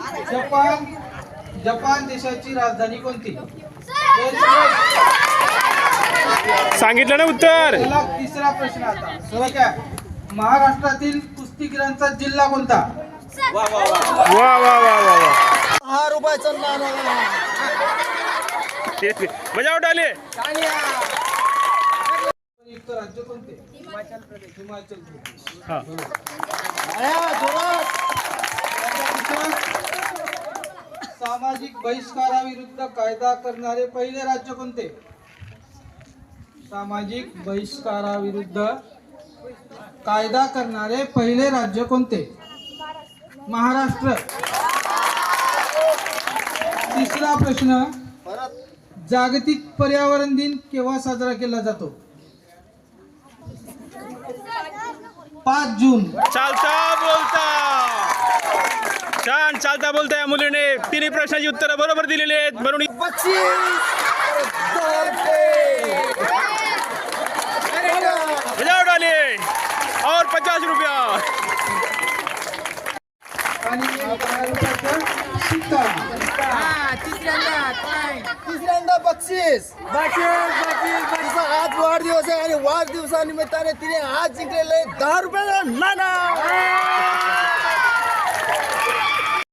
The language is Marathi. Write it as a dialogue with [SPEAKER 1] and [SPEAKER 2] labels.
[SPEAKER 1] जपान जपान देशाची राजधानी कोणती?
[SPEAKER 2] सांगितलं ना उत्तर.
[SPEAKER 1] चला, तिसरा प्रश्न आता सरळ काय. महाराष्ट्रातील कुस्तीगिरांचा जिल्हा कोणता?
[SPEAKER 2] वा वा वा वा वा.
[SPEAKER 3] 6 रुपयाचं नाणं.
[SPEAKER 2] मजा उडाली.
[SPEAKER 1] युक्त राज्य कोणते? हिमाचल प्रदेश.
[SPEAKER 2] हा.
[SPEAKER 1] सामाजिक बहिष्काराविरुद्ध कायदा करणारे पहिले राज्य कोणते? सामाजिक बहिष्काराविरुद्ध कायदा करणारे पहिले राज्य कोणते? महाराष्ट्र. तिसरा प्रश्न. जागतिक पर्यावरण दिन केव्हा साजरा केला जातो? 5 जून.
[SPEAKER 2] चालता बोलता. छान चालता बोलता या मुलीने तिन्ही प्रश्नाची उत्तरं बरोबर दिलेली आहेत. म्हणून
[SPEAKER 3] 25
[SPEAKER 2] मजा उडाली. और 50 रुपया.
[SPEAKER 1] आणि 10 रुपयाचा शिक्का.
[SPEAKER 3] तिसऱ्यांदा बक्षीस. तिचा आज वाढदिवस आहे आणि वाढदिवसानिमित्ताने तिने आज जिंकलेले 10 रुपयाचं नाणं.